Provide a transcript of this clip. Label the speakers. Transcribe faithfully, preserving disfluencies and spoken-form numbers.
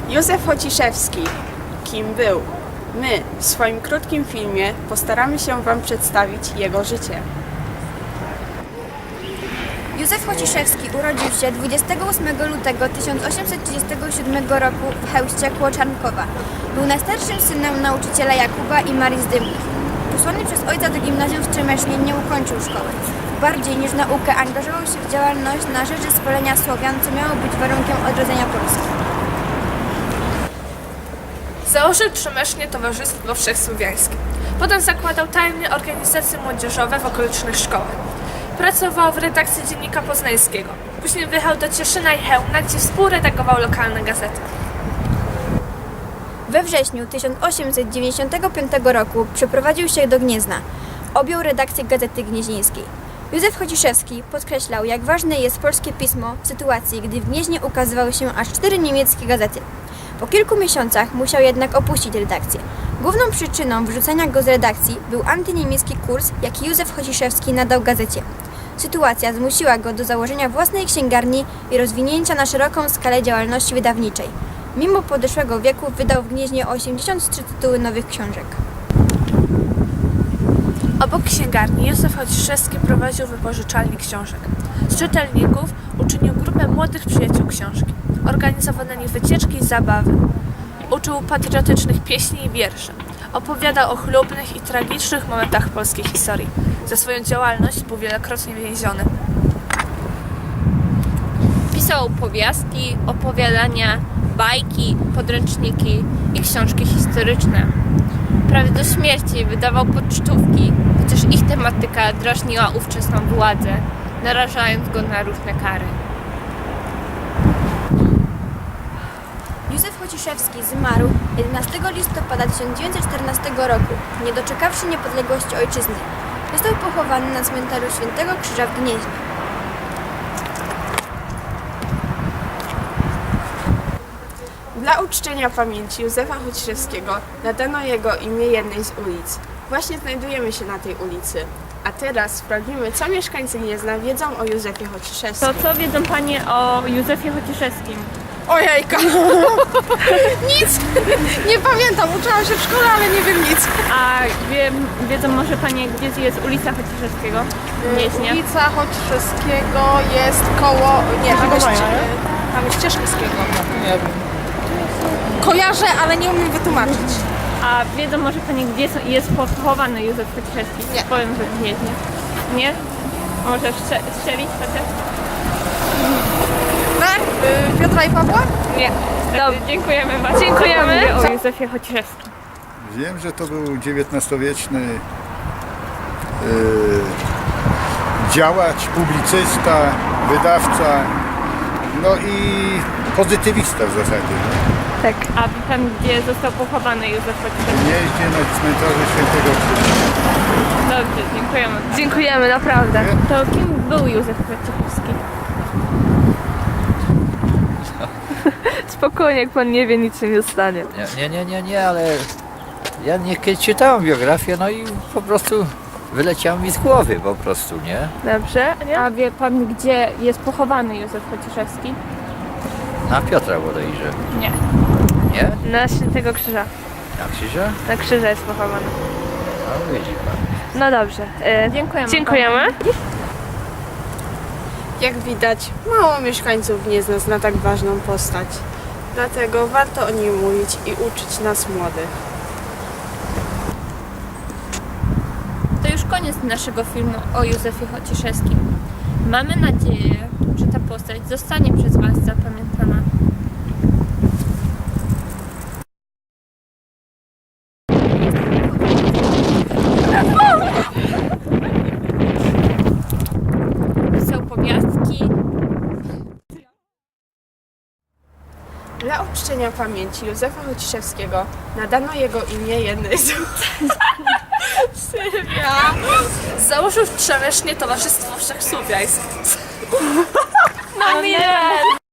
Speaker 1: Józef Chociszewski. Kim był? My w swoim krótkim filmie postaramy się Wam przedstawić jego życie.
Speaker 2: Józef Chociszewski urodził się dwudziestego ósmego lutego tysiąc osiemset trzydziestego siódmego roku w Chełście koło Czarnkowa. Był najstarszym synem nauczyciela Jakuba i Marii Zdymnych. Posłany przez ojca do gimnazjum w Trzemesznie nie ukończył szkoły. Bardziej niż naukę angażował się w działalność na rzecz zespolenia Słowian, co miało być warunkiem odrodzenia Polski.
Speaker 3: Założył Trzemesznie Towarzystwo Wszechsłowiańskie. Potem zakładał tajne organizacje młodzieżowe w okolicznych szkołach. Pracował w redakcji Dziennika Poznańskiego. Później wyjechał do Cieszyna i Chełmna, gdzie współredagował lokalne gazety.
Speaker 2: We wrześniu tysiąc osiemset dziewięćdziesiątego piątego roku przeprowadził się do Gniezna. Objął redakcję Gazety Gnieźnieńskiej. Józef Chociszewski podkreślał, jak ważne jest polskie pismo w sytuacji, gdy w Gnieźnie ukazywały się aż cztery niemieckie gazety. Po kilku miesiącach musiał jednak opuścić redakcję. Główną przyczyną wyrzucenia go z redakcji był antyniemiecki kurs, jaki Józef Chociszewski nadał gazecie. Sytuacja zmusiła go do założenia własnej księgarni i rozwinięcia na szeroką skalę działalności wydawniczej. Mimo podeszłego wieku wydał w Gnieźnie osiemdziesiąt trzy tytuły nowych książek.
Speaker 3: Obok księgarni Józef Chociszewski prowadził wypożyczalnię książek. Z czytelników uczynił grupę młodych przyjaciół książki. Organizował na nich wycieczki i zabawy. Uczył patriotycznych pieśni i wierszy. Opowiadał o chlubnych i tragicznych momentach polskiej historii. Za swoją działalność był wielokrotnie więziony.
Speaker 4: Pisał powiastki, opowiadania, bajki, podręczniki i książki historyczne. Prawie do śmierci wydawał pocztówki, chociaż ich tematyka drażniła ówczesną władzę, narażając go na różne kary.
Speaker 2: Józef Chociszewski zmarł jedenastego listopada tysiąc dziewięćset czternastego roku, nie doczekawszy niepodległości ojczyzny. Został pochowany na cmentarzu Świętego Krzyża w Gnieźnie.
Speaker 1: Dla uczczenia pamięci Józefa Chociszewskiego nadano jego imię jednej z ulic. Właśnie znajdujemy się na tej ulicy. A teraz sprawdzimy, co mieszkańcy Gniezna wiedzą o Józefie Chociszewskim.
Speaker 5: To co wiedzą Panie o Józefie Chociszewskim?
Speaker 1: Ojejka! Nic! Nie pamiętam, uczyłam się w szkole, ale nie wiem nic.
Speaker 5: A wie, wiedzą może Panie, gdzie jest ulica Chociszewskiego w Gnieźnie?
Speaker 6: Ulica Chociszewskiego jest koło... Nie, tam jest, tam jest Cieszkowskiego.
Speaker 7: Nie wiem.
Speaker 6: Kojarzę, ale nie umiem wytłumaczyć.
Speaker 5: A wiedzą może Panie, gdzie są, jest pochowany Józef Chociszewski?
Speaker 6: Nie.
Speaker 5: Powiem, że w Gnieźnie. Nie? Może strze- strzelić chociaż?
Speaker 6: Tak? Y, Piotra i Pawła?
Speaker 5: Nie. Dobrze, dziękujemy bardzo.
Speaker 3: Dziękujemy.
Speaker 5: Co Pan wie o Józefie Chociszewskim?
Speaker 7: Wiem, że to był dziewiętnastowieczny yy, działacz, publicysta, wydawca, no i pozytywista w zasadzie. No.
Speaker 5: Tak. A wie Pan, gdzie został pochowany Józef Chociszewski?
Speaker 7: Nie jeździ na cmentarzu Świętego Krzyża.
Speaker 5: Dobrze, dziękujemy.
Speaker 3: Dziękujemy, naprawdę.
Speaker 5: To kim był Józef Chociszewski?
Speaker 3: Spokojnie, jak pan nie wie, nic się nie stanie.
Speaker 8: Nie, nie, nie, nie, nie, ale ja nie czytałem biografię, no i po prostu wyleciało mi z głowy po prostu, nie?
Speaker 3: Dobrze, nie?
Speaker 5: A wie Pan, gdzie jest pochowany Józef Chociszewski?
Speaker 8: Na Piotra bodajże.
Speaker 5: Nie.
Speaker 8: Nie?
Speaker 3: Na Świętego Krzyża.
Speaker 8: Na Krzyża?
Speaker 3: Na Krzyża jest pochowany.
Speaker 8: No widzi pan.
Speaker 3: No dobrze. E,
Speaker 5: Dziękujemy.
Speaker 3: dziękujemy.
Speaker 1: Jak widać, mało mieszkańców Gniezna zna tak ważną postać. Dlatego warto o nim mówić i uczyć nas młodych.
Speaker 4: To już koniec naszego filmu o Józefie Chociszewskim. Mamy nadzieję, że ta postać zostanie przez Was zapamiętana. Pisał powiastki.
Speaker 1: Dla uczczenia pamięci Józefa Chociszewskiego nadano jego imię jednej z
Speaker 3: Sylwia. Założył w Trzemesznie Towarzystwo Wszechsłowiańskie. No nie!